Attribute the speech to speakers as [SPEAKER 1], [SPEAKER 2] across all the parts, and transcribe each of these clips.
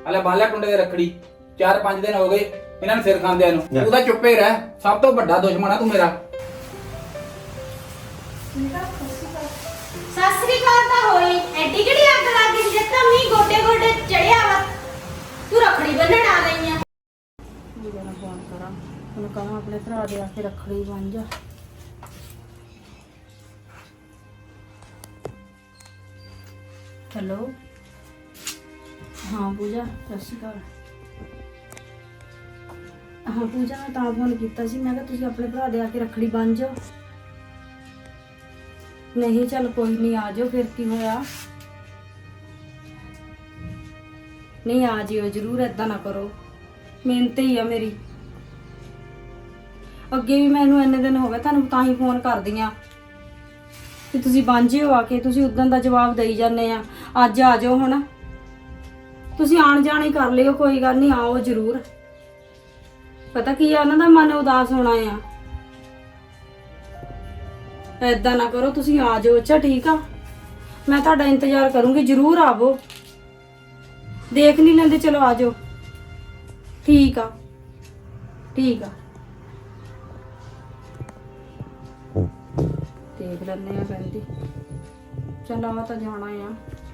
[SPEAKER 1] ਹਲੇ ਬਾਲਿਆ ਟੁੰਡੇ ਦੇ ਰੱਖੜੀ 4-5 ਦਿਨ ਹੋ ਗਏ ਇਹਨਾਂ ਨੂੰ ਸਿਰ ਖਾਂਦਿਆਂ ਨੂੰ। ਤੂੰ ਤਾਂ ਚੁੱਪੇ ਰਹਿ, ਸਭ ਤੋਂ ਵੱਡਾ ਦੁਸ਼ਮਣ ਆ ਤੂੰ ਮੇਰਾ।
[SPEAKER 2] ਸਸਰੀ ਕਾਲ ਤਾਂ ਹੋਈ, ਐਡੀ ਕਿਹੜੀ ਅੱਗ ਲੱਗ ਗਈ ਜੇ ਤਾਂ ਮੀਂਹ ਗੋਡੇ ਗੋਡੇ ਚੜਿਆ ਵਾ। ਤੂੰ ਰੱਖੜੀ ਬੰਨਣ ਆ ਗਈ ਆ।
[SPEAKER 3] ਵੀਰੇ ਨੂੰ ਫੋਨ ਕਰਾਂ, ਉਹਨੂੰ ਕਹਾਂ ਆਪਣੇ ਭਰਾ ਦੇ ਆ ਕੇ ਰੱਖੜੀ ਬੰਨ ਜਾ। ਹੈਲੋ, ਹਾਂ ਪੂਜਾ, ਸਤਿ ਸ਼੍ਰੀ ਅਕਾਲ। ਹਾਂ ਪੂਜਾ, ਮੈਂ ਤਾਂ ਫੋਨ ਕੀਤਾ ਸੀ, ਮੈਂ ਕਿਹਾ ਤੁਸੀਂ ਆਪਣੇ ਭਰਾ ਦੇ ਆ ਕੇ ਰੱਖੜੀ ਬੰਨ ਜਾਓ। ਨਹੀਂ ਚੱਲ ਕੋਈ ਨਹੀਂ, ਆ ਜਾਓ, ਫਿਰ ਕੀ ਹੋਇਆ। ਨਹੀਂ ਆ ਜਿਓ ਜ਼ਰੂਰ, ਏਦਾਂ ਨਾ ਕਰੋ, ਮਿਹਨਤ ਹੀ ਆ ਮੇਰੀ। ਅੱਗੇ ਵੀ ਮੈਨੂੰ ਇੰਨੇ ਦਿਨ ਹੋ ਗਏ ਤੁਹਾਨੂੰ ਤਾਂ ਹੀ ਫੋਨ ਕਰਦੀ ਆ ਕਿ ਤੁਸੀਂ ਬੰਨ ਜਿਓ ਆ ਕੇ। ਤੁਸੀਂ ਉਦੋਂ ਦਾ ਜਵਾਬ ਦੇਈ ਜਾਂਦੇ ਆ, ਅੱਜ ਆ ਜਾਓ। ਹੁਣ ਤੁਸੀਂ ਆਣ ਜਾਣ ਹੀ ਕਰ ਲਿਓ, ਕੋਈ ਗੱਲ ਨਹੀਂ, ਆਓ ਜ਼ਰੂਰ। ਪਤਾ ਕੀ ਆ, ਉਹਨਾਂ ਦਾ ਮਨ ਉਦਾਸ ਹੋਣਾ ਆ। ਏਦਾਂ ਨਾ ਕਰੋ, ਤੁਸੀਂ ਆ ਜਾਓ। ਅੱਛਾ ਠੀਕ ਆ, ਮੈਂ ਤੁਹਾਡਾ ਇੰਤਜ਼ਾਰ ਕਰੂੰਗੀ, ਜ਼ਰੂਰ ਆਵੋ। ਦੇਖ ਨਹੀਂ ਲੈਂਦੇ, ਚਲੋ ਆ ਜਾਓ। ਠੀਕ ਆ, ਠੀਕ ਆ, ਦੇਖ ਲੈਂਦੇ ਆ। ਕਹਿੰਦੀ ਚੱਲ ਆ ਤਾਂ ਜਾਣਾ ਆ।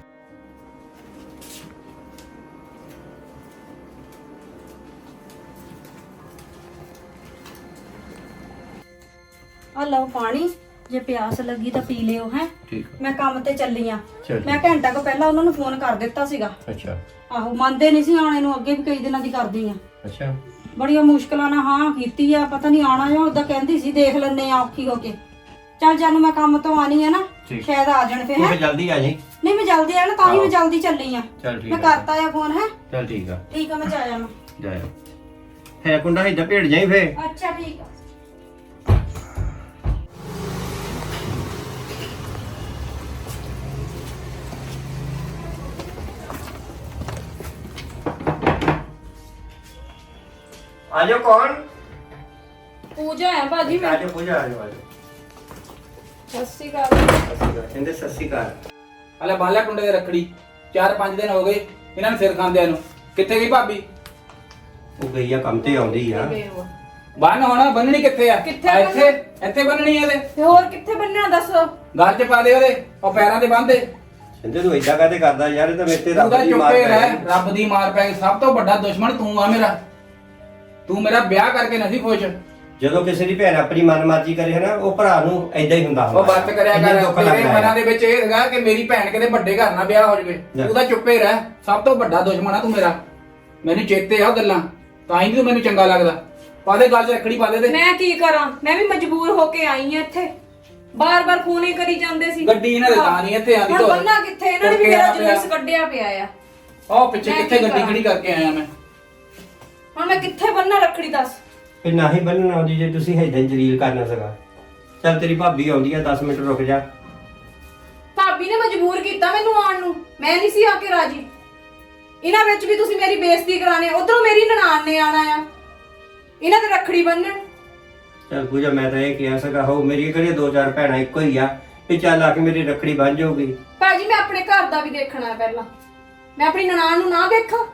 [SPEAKER 3] ਆ ਲਓ ਪਾਣੀ, ਜੇ ਪਿਆਸ ਲੱਗੀ ਤਾਂ ਪੀ ਲਿਓ। ਹੈ
[SPEAKER 1] ਠੀਕ,
[SPEAKER 3] ਮੈਂ ਕੰਮ ਤੇ ਚੱਲੀ ਆ।
[SPEAKER 1] ਚੱਲ।
[SPEAKER 3] ਮੈਂ ਘੰਟਾ ਕੁ ਪਹਿਲਾਂ ਉਹਨਾਂ ਨੂੰ ਫੋਨ ਕਰ ਦਿੱਤਾ ਸੀਗਾ।
[SPEAKER 1] ਅੱਛਾ
[SPEAKER 3] ਆਹੋ, ਮੰਨਦੇ ਨਹੀਂ ਸੀ ਆਣੇ ਨੂੰ, ਅੱਗੇ ਵੀ ਕਈ ਦਿਨਾਂ ਦੀ ਕਰਦੀ ਆ।
[SPEAKER 1] ਅੱਛਾ,
[SPEAKER 3] ਬੜੀਆਂ ਮੁਸ਼ਕਲਾਂ ਨਾਲ ਹਾਂ ਕੀਤੀ ਆ, ਪਤਾ ਨਹੀਂ ਆਣਾ ਜਾਂ ਉਦਾਂ ਕਹਿੰਦੀ ਸੀ ਦੇਖ ਲੈਣੇ ਆ ਔਖੀ ਹੋ ਕੇ। ਚੱਲ ਜਾਨੂੰ, ਮੈਂ ਕੰਮ ਤੋਂ ਆਣੀ ਆ ਨਾ,
[SPEAKER 1] ਠੀਕ।
[SPEAKER 3] ਸ਼ਾਇਦ ਆ ਜਾਣ ਫੇ। ਹੈ
[SPEAKER 1] ਜਲਦੀ ਆ ਜੀ।
[SPEAKER 3] ਨਹੀਂ ਮੈਂ ਜਲਦੀ ਆ ਨਾ, ਤਾਂ ਹੀ ਮੈਂ ਜਲਦੀ ਚੱਲੀ ਆ।
[SPEAKER 1] ਚੱਲ ਠੀਕ
[SPEAKER 3] ਮੈਂ ਕਰਤਾ ਆ ਫੋਨ। ਹੈ
[SPEAKER 1] ਚੱਲ ਠੀਕ ਆ,
[SPEAKER 3] ਠੀਕ ਆ, ਮੈਂ ਜਾਇਆ ਮੈਂ।
[SPEAKER 1] ਜਾਇਓ। ਹੈ ਕੁੰਡਾ ਇੱਧਰ ਭੇੜ ਜਾਈ ਫੇ।
[SPEAKER 3] ਅੱਛਾ ਠੀਕ ਆ।
[SPEAKER 1] ਆ ਜਾਓ। ਕੌਣ?
[SPEAKER 3] ਪੂਜਾ ਹੈ ਭਾਜੀ।
[SPEAKER 1] ਆ ਜਾਓ ਪੂਜਾ, ਆ ਜਾਓ, ਆ ਜਾਓ।
[SPEAKER 3] ਸਤਿ ਸ਼੍ਰੀ ਅਕਾਲ।
[SPEAKER 1] ਕਹਿੰਦੇ ਸਤਿ ਸ਼੍ਰੀ ਅਕਾਲ। ਹਲੇ ਬਾਲਿਆ ਟੁੰਡੇ ਦੇ ਰੱਖੜੀ 4-5 ਦਿਨ ਹੋ ਗਏ ਇਹਨਾਂ ਨੂੰ ਸਿਰ ਖਾਂਦਿਆਂ ਨੂੰ। ਕਿੱਥੇ ਗਈ ਭਾਬੀ?
[SPEAKER 4] ਉਹ ਗਈ ਆ ਕੰਮ ਤੇ, ਆਉਂਦੀ ਆ।
[SPEAKER 1] ਬੰਨ ਹੋਣਾ, ਬੰਨਣੀ ਕਿੱਥੇ ਆ?
[SPEAKER 3] ਕਿੱਥੇ
[SPEAKER 1] ਇੱਥੇ ਇੱਥੇ ਬੰਨਣੀ ਆ ਇਹਦੇ।
[SPEAKER 3] ਤੇ ਹੋਰ ਕਿੱਥੇ ਬੰਨਿਆ ਦੱਸੋ?
[SPEAKER 1] ਗਲ 'ਚ ਪਾ ਦੇ ਉਹਦੇ, ਉਹ ਪੈਰਾਂ ਤੇ ਬੰਨ ਦੇ।
[SPEAKER 4] ਕਹਿੰਦੇ ਤੂੰ ਏਦਾਂ ਕਾਹਤੇ ਕਰਦਾ ਯਾਰ, ਇਹ ਤਾਂ ਮੇਰੇ ਤੇ
[SPEAKER 1] ਤੂੰ
[SPEAKER 4] ਰੱਬ
[SPEAKER 1] ਤਾਂ
[SPEAKER 4] ਦੀ ਮਾਰ
[SPEAKER 1] ਚੁੱਪੇ
[SPEAKER 4] ਪੈ
[SPEAKER 1] ਰਹਿ,
[SPEAKER 4] ਗਈ।
[SPEAKER 1] ਰੱਬ ਦੀ ਮਾਰ ਪੈ ਗਈ। ਸਭ ਤੋਂ ਵੱਡਾ ਦੁਸ਼ਮਣ ਤੂੰ ਆ ਮੇਰਾ। ਤੂੰ ਮੇਰਾ ਵਿਆਹ ਕਰਕੇ ਨਹੀਂ ਖੁਸ਼।
[SPEAKER 4] ਜਦੋਂ ਕਿਸੇ ਦੀ ਭੈਣ ਆਪਣੀ ਮਨਮਰਜ਼ੀ ਕਰੇ ਨਾ, ਉਹ ਭਰਾ ਨੂੰ ਏਦਾਂ ਹੀ ਹੁੰਦਾ
[SPEAKER 1] ਉਹ ਬੱਤ ਕਰਿਆ
[SPEAKER 4] ਇੰਨਾ ਦੁੱਖ
[SPEAKER 1] ਕਰ। ਤੇਰੇ
[SPEAKER 4] ਲੱਗਦਾ
[SPEAKER 1] ਮਨਾਂ
[SPEAKER 4] ਹੈ।
[SPEAKER 1] ਦੇ ਵਿੱਚ ਇਹ ਹੈਗਾ ਕਿ ਮੇਰੀ ਭੈਣ ਕਿਤੇ ਵੱਡੇ ਘਰ ਨਾਲ ਵਿਆਹ ਹੋ ਜਾਵੇ। ਤੂੰ ਤਾਂ ਚੁੱਪੇ ਰਹਿ, ਸਭ ਤੋਂ ਵੱਡਾ ਦੁਸ਼ਮਣ ਆ ਤੂੰ ਮੇਰਾ। ਮੈਨੂੰ ਚੇਤੇ ਆ ਉਹ ਗੱਲਾਂ, ਤਾਂ ਹੀ ਤੂੰ ਮੈਨੂੰ ਚੰਗਾ ਲੱਗਦਾ। ਪਾ ਦੇ ਗੱਲ 'ਚ ਰੱਖੜੀ, ਪਾ ਦੇ ਤੇ।
[SPEAKER 3] ਮੈਂ ਕੀ ਕਰਾਂ, ਮੈਂ ਵੀ ਮਜਬੂਰ ਹੋ ਕੇ ਆਈ ਆ ਇੱਥੇ। ਬਾਰ-ਬਾਰ ਫੋਨ ਹੀ ਕਰੀ ਜਾਂਦੇ ਸੀ।
[SPEAKER 1] ਗੱਡੀ ਇਹਨਾਂ ਦੇ ਤਾਂ ਨਹੀਂ ਇੱਥੇ ਆਂਦੀ।
[SPEAKER 3] ਹੁਣ ਬੰਨਾ ਕਿੱਥੇ, ਇਹਨਾਂ ਨੇ ਵੀ ਮੇਰਾ ਜਲੂਸ ਕੱਢਿਆ ਪਿਆ ਆ।
[SPEAKER 1] ਉਹ ਪਿੱਛੇ
[SPEAKER 3] ਮੈਂ
[SPEAKER 1] ਕਿੱਥੇ
[SPEAKER 3] ਕੀ
[SPEAKER 1] ਗੱਡੀ
[SPEAKER 3] ਕਰਾਂ?
[SPEAKER 1] ਖੜੀ ਕਰਕੇ ਆਇਆ ਮੈਂ।
[SPEAKER 3] ਹੁਣ ਮੈਂ ਕਿੱਥੇ ਬੰਨਾ ਰੱਖੜੀ ਦੱਸ?
[SPEAKER 4] ਫਿਰ ਨਾ ਹੀ ਬੰਨਣਾ ਆਉਂਦੀ ਜੇ ਤੁਸੀਂ ਏਦਾਂ ਹੀ ਜਲੀਲ ਕਰਨਾ ਸੀਗਾ। ਚੱਲ ਤੇਰੀ ਭਾਬੀ ਆਉਂਦੀ ਆ, 10 ਮਿੰਟ ਰੁਕ ਜਾ।
[SPEAKER 3] ਭਾਬੀ ਨੇ ਮਜਬੂਰ ਕੀਤਾ ਮੈਨੂੰ ਆਉਣ ਨੂੰ, ਮੈਂ ਨਹੀਂ ਸੀ ਆ ਕੇ ਰਾਜੀ। ਇਹਨਾਂ ਵਿੱਚ ਵੀ ਤੁਸੀਂ ਮੇਰੀ ਬੇਇੱਜ਼ਤੀ ਕਰਾਣੇ, ਉਧਰੋਂ ਮੇਰੀ ਨਨਾਣ ਨੇ ਆਣਾ ਆ, ਇਹਨਾਂ ਦੇ ਰੱਖੜੀ ਬੰਨਣ।
[SPEAKER 4] ਚੱਲ ਪੂਜਾ, ਮੈਂ ਤਾਂ ਇਹ ਕਿਹਾ ਸੀਗਾ, ਹੋ ਮੇਰੀ ਕਿਹੜੀਆਂ 2-4 ਭੈਣਾਂ ਇੱਕੋ ਹੀ ਆ, ਵੀ ਚੱਲ ਆ ਕੇ ਮੇਰੀ ਰੱਖੜੀ ਬੰਨ ਜਾਊਗੀ।
[SPEAKER 3] ਭਾਜੀ ਮੈਂ ਆਪਣੇ ਘਰ ਦਾ ਵੀ ਦੇਖਣਾ ਹੈ ਪਹਿਲਾਂ, ਮੈਂ ਆਪਣੀ ਨਨਾਣ ਨੂੰ ਨਾ ਦੇਖਾਂ?